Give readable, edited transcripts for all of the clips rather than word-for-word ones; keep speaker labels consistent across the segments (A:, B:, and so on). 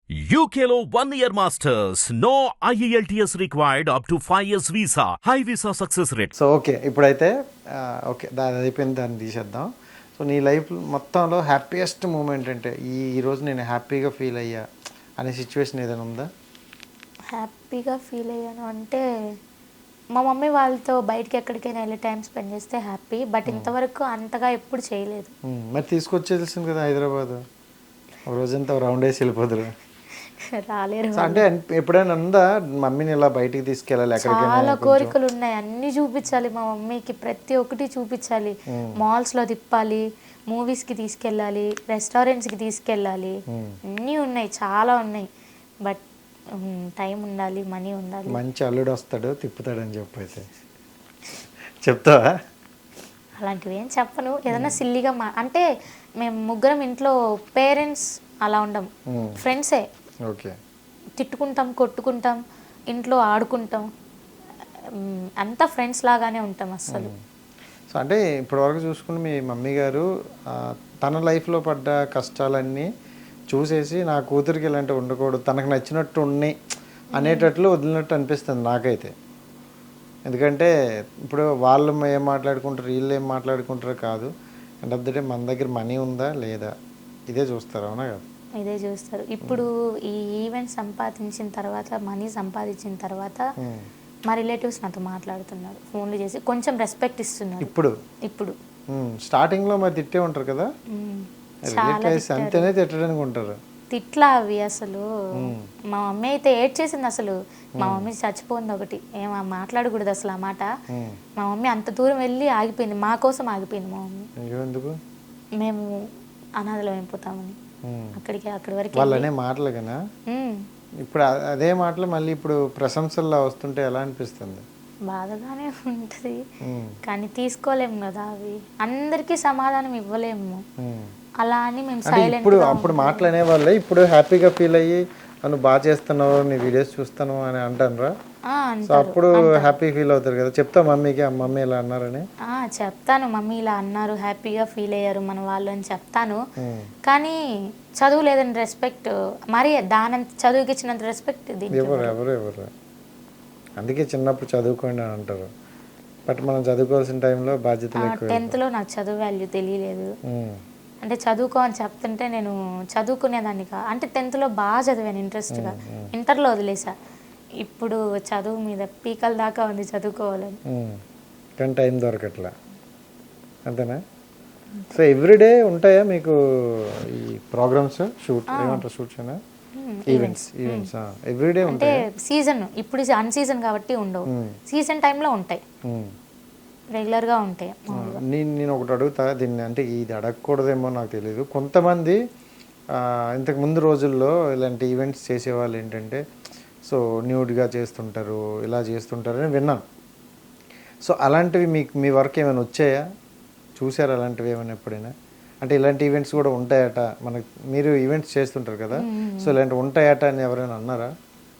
A: UKLO 1 year masters. No IELTS required up to 5 years visa. High visa success rate.
B: So okay ఇప్పుడైతే okay దాని అయిపోయింది, దాన్ని తీసేద్దాం. So నీ లైఫ్ మొత్తంలో హ్యాపీయెస్ట్ మూమెంట్ అంటే ఈరోజు నేను హ్యాపీగా ఫీల్ అయ్యా అనే సిచ్యువేషన్ ఏదైనా ఉందా?
C: హ్యాపీగా ఫీల్ అయ్యాను అంటే మా మమ్మీ వాళ్ళతో బయటికి ఎక్కడికైనా వెళ్ళి టైం స్పెండ్ చేస్తే హ్యాపీ. బట్ ఇంతవరకు అంతగా ఎప్పుడు చేయలేదు.
B: మరి తీసుకొచ్చేసింది కదా హైదరాబాద్, ఒక రోజంతా రౌండ్ వేసి వెళ్ళిపోదురు.
C: రాలేరు.
B: సో అంటే ఎప్పుడైనా ఉందా మమ్మీని ఇలా బయటికి తీసుకెళ్ళాలి ఎక్కడికైనా?
C: చాలా కోరికలు ఉన్నాయి, అన్ని చూపించాలి మా మమ్మీకి, ప్రతి ఒక్కటి చూపించాలి. మాల్స్లో తిప్పాలి, మూవీస్కి తీసుకెళ్ళాలి, రెస్టారెంట్స్కి తీసుకెళ్ళాలి, అన్నీ ఉన్నాయి, చాలా ఉన్నాయి. బట్ టైం ఉండాలి, మనీ ఉండాలి.
B: మంచి అల్లుడు వస్తాడు తిప్పుతాడని చెప్పైతే చెప్తావా?
C: అలాంటివి ఏం చెప్పను. ఏదైనా సిల్లీగా అంటే మేము ముగ్గురం ఇంట్లో పేరెంట్స్ అలా ఉండం, ఫ్రెండ్సే.
B: ఓకే,
C: తిట్టుకుంటాం, కొట్టుకుంటాం, ఇంట్లో ఆడుకుంటాం, అంతా ఫ్రెండ్స్ లాగానే ఉంటాం అస్సలు.
B: సో అంటే ఇప్పటివరకు చూసుకుని మీ మమ్మీ గారు తన లైఫ్లో పడ్డ కష్టాలన్నీ చూసేసి నా కూతురికి ఇలాంటివి ఉండకూడదు, తనకు నచ్చినట్టు ఉన్నాయి అనేటట్లు వదిలినట్టు అనిపిస్తుంది నాకైతే. ఎందుకంటే ఇప్పుడు వాళ్ళు ఏం మాట్లాడుకుంటారు, వీళ్ళు ఏం మాట్లాడుకుంటారో కాదు, అండ్ ఆఫ్ ద డే మన దగ్గర మనీ ఉందా లేదా ఇదే చూస్తారు, అవునా కదా?
C: ఇదే చూస్తారు. ఇప్పుడు ఈ ఈవెంట్ సంపాదించిన తర్వాత, మనీ సంపాదించిన తర్వాత మా రిలేటివ్స్ నాతో మాట్లాడుతున్నారు, ఫోన్లు చేసి కొంచెం రెస్పెక్ట్ ఇస్తున్నారు. ఇప్పుడు
B: స్టార్టింగ్లో మరి తిట్టే ఉంటారు కదా రిలేటివ్స్, అంతేనే తిట్టడానికి ఉంటారు.
C: తిట్లా అవి అసలు. మా మమ్మీ అయితే ఏడ్ చేసింది అసలు. మా మమ్మీ చచ్చిపోయింది ఒకటి, ఏం మాట్లాడకూడదు అసలు ఆ మాట. మా మమ్మీ అంత దూరం వెళ్ళి ఆగిపోయింది, మా కోసం ఆగిపోయింది మా మమ్మీ.
B: ఎందుకు?
C: మేము అనాథలం అయిపోతామని అక్కడి వరకు
B: వాళ్ళనే మాటలు కదా. ఇప్పుడు అదే మాటలు మళ్ళీ ఇప్పుడు ప్రశంసల్లో వస్తుంటే ఎలా అనిపిస్తుంది?
C: బాధగానే ఉంటుంది, కానీ తీసుకోలేము కదా, అవి అందరికీ సమాధానం ఇవ్వలేము. అలా అని మేము సైలెంట్.
B: ఇప్పుడు అప్పుడు మాటలు అనేవాళ్ళే ఇప్పుడు హ్యాపీగా ఫీల్ అయ్యి నువ్వు బాగా చేస్తున్నావు, నీ వీడియోస్ చూస్తాను అని అంటానురా. సో అప్పుడు హ్యాపీ ఫీల్ అవుతారు కదా, చెప్తా మమ్మీకి మమ్మీ ఇలా అన్నారని.
C: చెప్తాను, మమ్మీ ఇలా అన్నారు, హ్యాపీగా ఫీల్ అయ్యారు మన వాళ్ళు అని చెప్తాను. కానీ చదువు లేదని రెస్పెక్ట్, మరి దానంత చదువుకి ఇచ్చినంత రెస్పెక్ట్
B: ఎవరు అందుకే చిన్నప్పుడు చదువుకోండి అని అంటారు. బట్ మనం చదువుకోవాల్సిన టైంలో బాధ్యతలు ఎక్కువ.
C: 10th నాకు చదువు వాల్యూ తెలియలేదు. అంటే చదువుకో అని చెప్తుంటే నేను చదువుకునేదాన్ని అంటే 10th బాగా చదివాను ఇంట్రెస్ట్గా, ఇంటర్లో వదిలేసా. ఇప్పుడు చదువు మీద పీకల దాకా ఉంది చదువుకోవాలని,
B: కానీ టైం దొరకట్లా, అంతేనా? సో ఎవ్రీడే ఉంటాయా మీకు ఈ ప్రోగ్రామ్స్? ఏమంటారు షూట్స్ అయినా ఈవెంట్స్ ఎవ్రీడే
C: అంటే సీజన్, ఇప్పుడు అన్ సీజన్ కాబట్టి ఉండవు, సీజన్ టైంలో ఉంటాయి, రెగ్యులర్గా ఉంటాయి.
B: నేను ఒకటి అడుగుతా దీన్ని, అంటే ఇది అడగకూడదేమో నాకు తెలియదు. కొంతమంది ఇంతకు ముందు రోజుల్లో ఇలాంటి ఈవెంట్స్ చేసేవాళ్ళు ఏంటంటే సో న్యూడ్గా చేస్తుంటారు, ఇలా చేస్తుంటారు అని విన్నాను. సో అలాంటివి మీకు మీ వర్క్ ఏమైనా వచ్చాయా? చూసారు అలాంటివి ఏమైనా ఎప్పుడైనా? అంటే ఇలాంటి ఈవెంట్స్ కూడా ఉంటాయట, మనకు మీరు ఈవెంట్స్ చేస్తుంటారు కదా, సో ఇలాంటివి ఉంటాయట అని ఎవరైనా అన్నారా?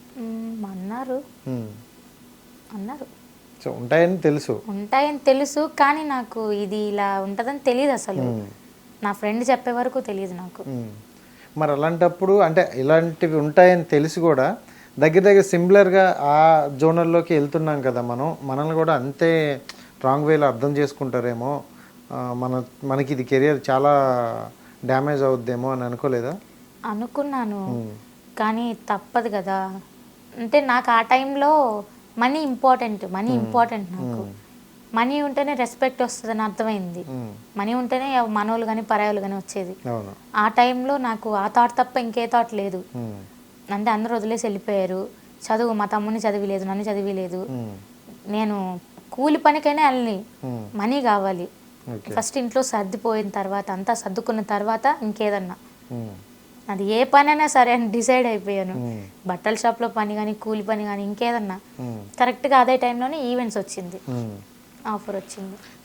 C: అన్నారు.
B: సో ఉంటాయని
C: తెలుసు, కానీ నాకు ఇది ఇలా ఉంటుందని తెలియదు అసలు. నా ఫ్రెండ్ చెప్పే వరకు తెలియదు నాకు.
B: మరి అలాంటప్పుడు అంటే ఇలాంటివి ఉంటాయని తెలిసి కూడా దగ్గర సిమిలర్గా ఆ జోనర్లోకి వెళ్తున్నాం కదా మనల్ని కూడా అంతే రాంగ్ వేలో అర్థం చేసుకుంటారేమో, మనకి ఇది కెరియర్ చాలా డ్యామేజ్ అవుద్దేమో అని అనుకోలేదా?
C: అనుకున్నాను, కానీ తప్పదు కదా. అంటే నాకు ఆ టైంలో మనీ ఇంపార్టెంట్ నాకు. మనీ ఉంటేనే రెస్పెక్ట్ వస్తుందని అర్థమైంది. మనీ ఉంటేనే మనోళ్ళు కానీ పరాయోళ్ళు కానీ వచ్చేది. ఆ టైంలో నాకు ఆ థాట్ తప్ప ఇంకే థాట్ లేదు. అంటే అందరూ వదిలేసి వెళ్ళిపోయారు. చదువు, మా తమ్ముని చదివిలేదు, నన్ను చదివిలేదు. నేను కూలి పనికైనా వెళ్ళి మనీ కావాలి. ఫస్ట్ ఇంట్లో సర్దిపోయిన తర్వాత, అంతా సర్దుకున్న తర్వాత ఇంకేదన్నా, అది ఏ పని అయినా సరే అని డిసైడ్ అయిపోయాను. బట్టల షాప్లో పని కానీ, కూలి పని కానీ, ఇంకేదన్నా. కరెక్ట్గా అదే టైంలోనే ఈవెంట్స్ వచ్చింది, ఆఫర్ వచ్చింది.